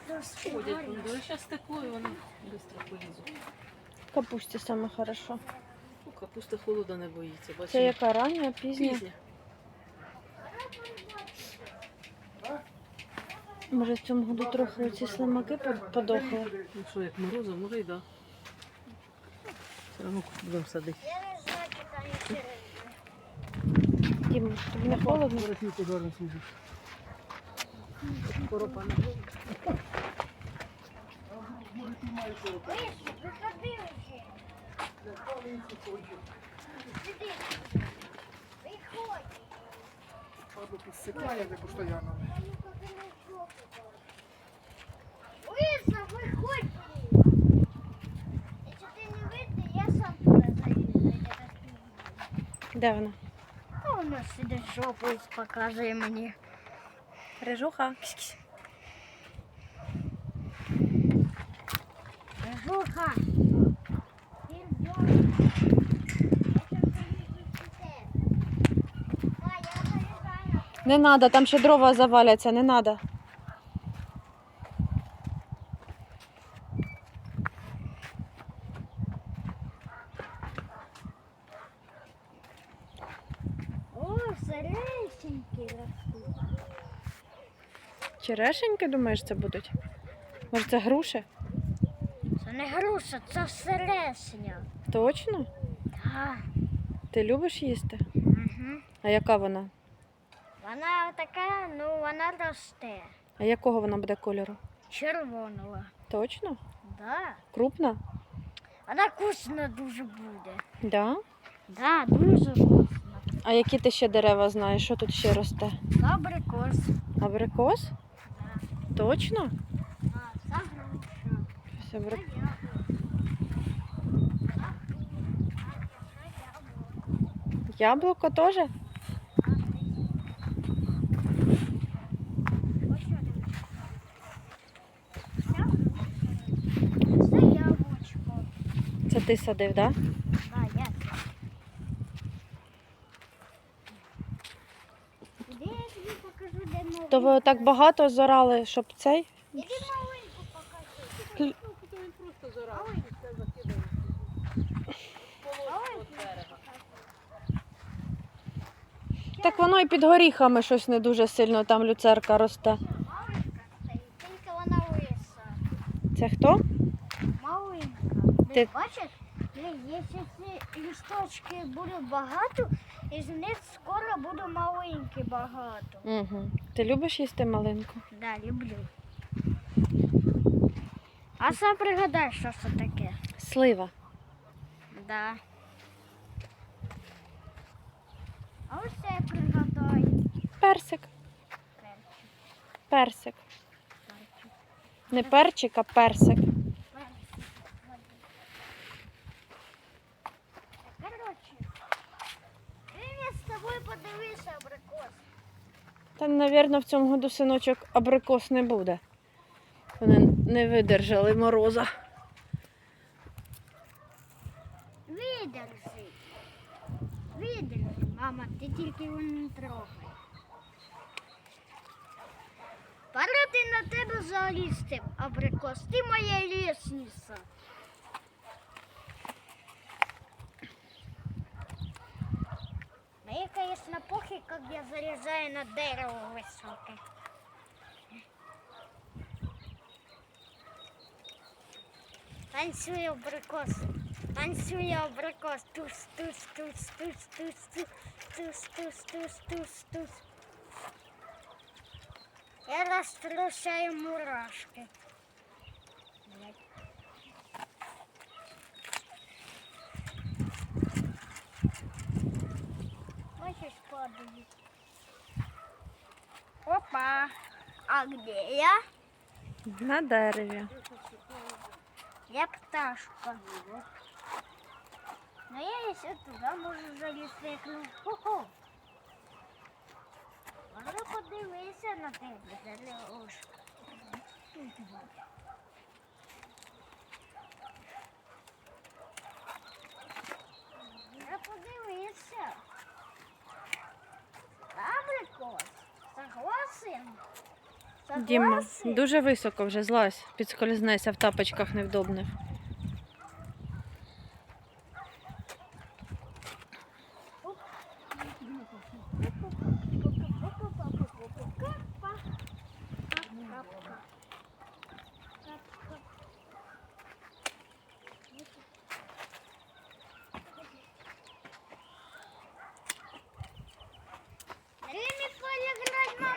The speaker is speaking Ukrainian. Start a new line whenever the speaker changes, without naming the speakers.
Ходять, зараз тепло, і вони швидко полізуть.
Капусті саме хорошо.
Ну, капуста холода не боїться, бачиш?
Це яка рання, пізня?
Пізня.
Може в цьому году трохи ці слимаки подохли.
Ну що, як морозу, може й да. Все одно будемо садити.
Дім, тобі не холодно?
Коропа на
Падло підсипає де постійно.
Лиза, виходь! Якщо ти не вийти, я сам туди залізу.
Де вона?
А вона сидить жопою, показує мені.
Рижуха.
Жуха!
Не надо, там ще дрова заваляться, не надо.
О, сересенькі ростуть.
Черешеньки, думаєш, це будуть? Може це груші?
Це не груша, це сересня.
Точно?
Так.
Ти любиш їсти?
Угу.
А яка вона?
Вона така, ну вона росте.
А якого вона буде кольору?
Червоного.
Точно?
Да.
Крупна?
Вона вкусна дуже буде.
Да?
Да, дуже вкусна.
А які ти ще дерева знаєш? Що тут ще росте?
Абрикос.
Абрикос?
Да.
Точно?
А, це груша.
Щось абрик-
Це
Яблуко теж?
Це яблучко.
Це ти садив, так? Да?
Да, я. Де я тобі покажу, де маленьку?
То ви так багато зорали, щоб цей?
Іди маленьку покажу.
Він просто зорав,
Ой.
все закидає. Полоску від берега.
Так воно і під горіхами щось не дуже сильно, там люцерка росте.
Маленька стоїть, тільки вона лиса.
Це хто?
Маленька.
Ти-
Бачиш? Якщо ці листочки будуть багато, із них скоро буде маленькі багато.
Угу. Ти любиш їсти малинку?
Да, люблю. А сам пригадай, що це таке.
Слива.
Да. А ось це пригадай.
Персик. Персик. Не перчик, а персик.
Короче, я з тобою подивився абрикос.
Та, мабуть, в цьому году синочок абрикос не буде. Вони не видержали мороза.
Видержи. Видержи, мама, ти тільки його не трогай. Пора ти на тебе залізти, абрикос. Ти моя лісниця. Мне, конечно, похер, как я залезаю на дерево высокое. Танцую абрикос. Танцую абрикос. Туз, туз, туз, туз, туз, туз, туз, туз, туз, туз, туз. Я раструшаю мурашки. Блядь. Хочешь падаю? Опа! А где я?
На дереві.
Я пташка. Но я еще туда можу залізти. Хо-хо. Можна подивитися на тебе, Залюшка. Я подивитися. Абрикос. Согласен?
Діма,
класи.
дуже високо вже злазь, підскользнешся в тапочках невдобних.